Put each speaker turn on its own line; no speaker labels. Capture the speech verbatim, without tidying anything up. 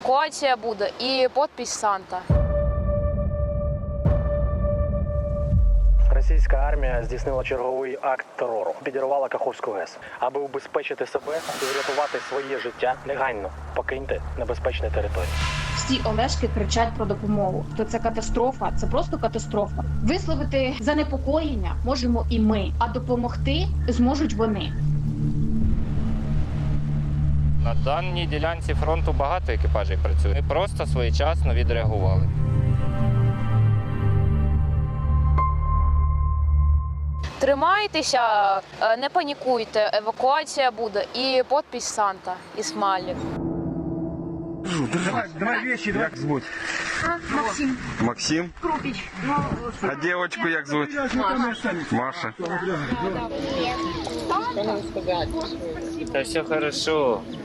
Евакуація буде і підпис Санта.
Російська армія здійснила черговий акт терору. Підірвала Каховську ГЕС. Аби убезпечити себе і врятувати своє життя, негайно покиньте небезпечні території.
Всі Олешки кричать про допомогу. То це катастрофа, це просто катастрофа. Висловити занепокоєння можемо і ми, а допомогти зможуть вони.
На даній ділянці фронту багато екіпажів працює. Ми просто своєчасно відреагували.
Тримайтеся, не панікуйте, евакуація буде і підпис Санта і смайлик.
Давай, давай вещи, як звуть?
Максим.
Максим?
Крупіч.
А дівчинку як звуть? Маша.
Та все хорошо.